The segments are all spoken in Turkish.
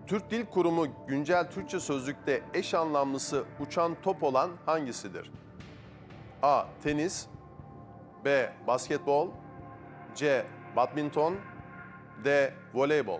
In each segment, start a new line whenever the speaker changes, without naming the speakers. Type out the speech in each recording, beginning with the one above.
Türk Dil Kurumu güncel Türkçe sözlükte eş anlamlısı uçan top olan hangisidir? A. Tenis, B. Basketbol, C. Badminton, D. Voleybol.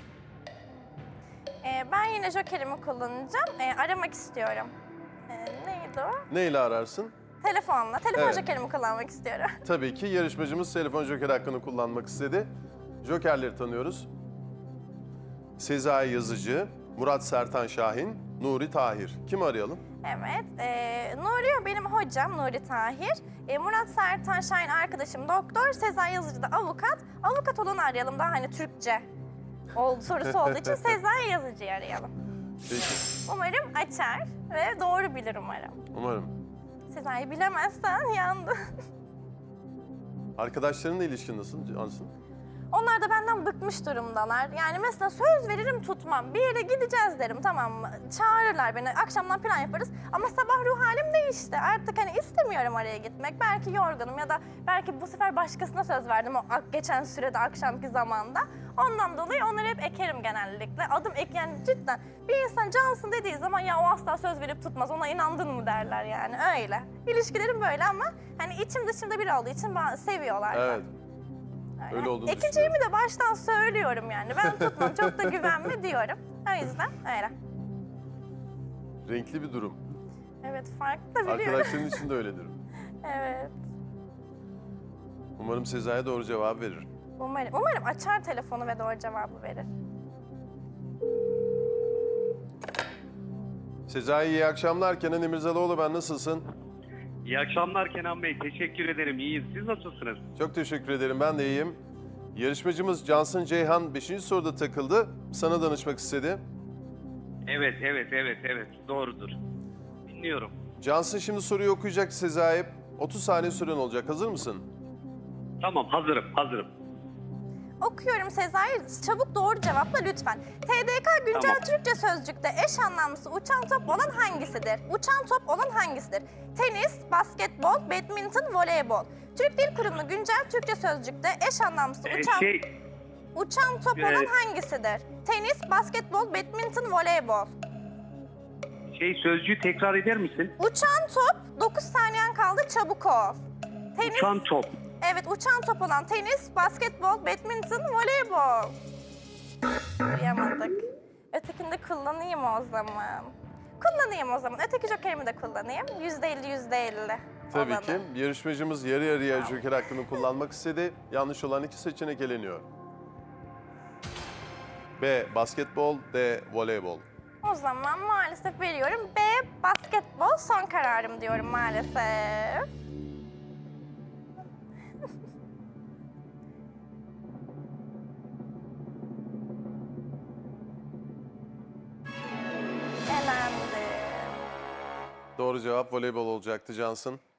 Ben yine jokerimi kullanacağım. Aramak istiyorum. Neydi o?
Ne ile ararsın?
Telefonla. Telefon
Evet.
jokerimi kullanmak istiyorum.
Tabii ki yarışmacımız telefon joker hakkını kullanmak istedi. Jokerleri tanıyoruz. Sezai Yazıcı, Murat Sertan Şahin, Nuri Tahir. Kimi arayalım?
Evet. Nuri benim hocam, Nuri Tahir. Murat Sertan Şahin arkadaşım doktor. Sezai Yazıcı da avukat. Avukat olanı arayalım daha hani Türkçe sorusu olduğu için Sezai Yazıcı'yı arayalım.
Peki.
Umarım açar ve doğru bilir umarım.
Umarım.
Sezai bilemezsen yandın.
Arkadaşlarınla ilişkin nasıl Cansın?
Onlar da benden bıkmış durumdalar. Yani mesela söz veririm tutmam. Bir yere gideceğiz derim, tamam mı? Çağırırlar beni, akşamdan plan yaparız. Ama sabah ruh halim değişti. Artık hani istemiyorum oraya gitmek. Belki yorgunum ya da belki bu sefer başkasına söz verdim o geçen sürede akşamki zamanda. Ondan dolayı onları hep ekerim genellikle. Adım ek yani cidden. Bir insan cansın dediği zaman ya o asla söz verip tutmaz, ona inandın mı derler yani öyle. İlişkilerim böyle ama hani içim dışımda biri olduğu için bana seviyorlar.
Evet. Öyle olduğunu
Ekeceğimi de baştan söylüyorum yani. Ben tutmam, çok da güvenme diyorum. O yüzden öyle.
Renkli bir durum.
Evet, farklı da biliyorum.
Arkadaşların için de öyledir.
Evet.
Umarım Sezai doğru cevap verir.
Umarım açar telefonu ve doğru cevabı verir.
Sezai iyi akşamlar. Kenan İmirzalıoğlu ben, nasılsın?
İyi akşamlar Kenan Bey. Teşekkür ederim. İyiyiz. Siz nasılsınız?
Çok teşekkür ederim, ben de iyiyim. Yarışmacımız Cansın Ceyhan 5. soruda takıldı. Sana danışmak istedi.
Evet. Doğrudur. Dinliyorum.
Cansın şimdi soruyu okuyacak Sezai. 30 saniye süren olacak. Hazır mısın?
Tamam, hazırım.
Okuyorum Sezai, çabuk doğru cevapla lütfen. TDK güncel
Tamam.
Türkçe sözlükte eş anlamlısı uçan top olan hangisidir? Uçan top olan hangisidir? Tenis, basketbol, badminton, voleybol. Türk Dil Kurumu güncel Türkçe sözlükte eş anlamlısı uçan top olan hangisidir? Tenis, basketbol, badminton, voleybol.
Sözcüğü tekrar eder misin?
Uçan top, 9 saniyen kaldı, çabuk ol. Tenis,
Uçan top.
evet uçan top olan tenis, basketbol, badminton, voleybol. Duyamadık. Ötekini de kullanayım o zaman. Öteki jokerimi de kullanayım. %50.
Tabii
olanı.
ki. Yarışmacımız yarı yarıya joker hakkını kullanmak istedi. Yanlış olan 2 seçenek eleniyor. B. Basketbol, D. Voleybol.
O zaman maalesef veriyorum. B. Basketbol son kararım diyorum maalesef. Elendim.
Doğru cevap voleybol olacaktı Cansın.